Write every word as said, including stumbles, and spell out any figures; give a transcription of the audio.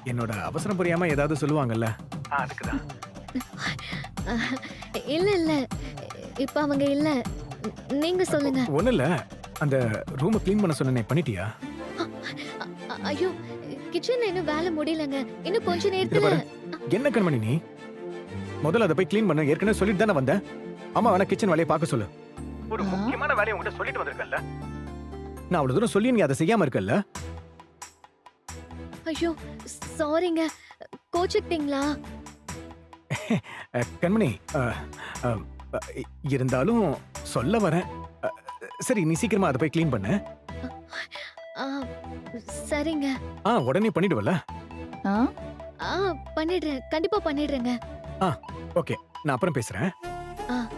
என்னோட அவசரம் புரியாம ஏதாவது சொல்லுவாங்கல்ல, அதுக்குதான். இல்ல இல்ல இப்ப அவங்க இல்ல, நீங்க சொல்லுங்க. ஒண்ணு இல்ல, அந்த ரூமை க்ளீன் பண்ண சொன்னேனே, பண்ணிட்டியா? அ- ஐயோ, கிச்சன்ல இன்னும் வேலை முடியலங்க. இன்னும் கொஞ்ச இத நேரத்துல. பாரு, என்ன கண்மணி நீ? முதல்ல அதை போய் க்ளீன் பண்ண ஏற்கனவே சொல்லிட்டு தானே வந்தேன். அம்மா வேணா கிச்சன் வேலையை பார்க்க சொல்லு. ஒரு முக்கியமான வேலையை உங்ககிட்ட சொல்லிட்டு வந்திருக்கல்ல. நான் அவ்வளவு தூரம் சொல்லி நீ அதை செய்யாம இருக்கல்ல. ஐயோ சாரிங்க, கோச்சுக்கிட்டீங்களா? அஹ், கண்மணி, அஹ், அஹ், அஹ், இருந்தாலும் சொல்ல வரேன். அஹ், சரி, நீ சீக்கிரமா அதை போய் க்ளீன் பண்ணு. ஆ, சரிங்க. ஆ, உடனே பண்ணிடுவல. ஆ? ஆ பண்ணிடுறேன், கண்டிப்பா பண்ணிடுறேங்க. ஓகே, நான் அப்புறம் பேசுறேன். ஆ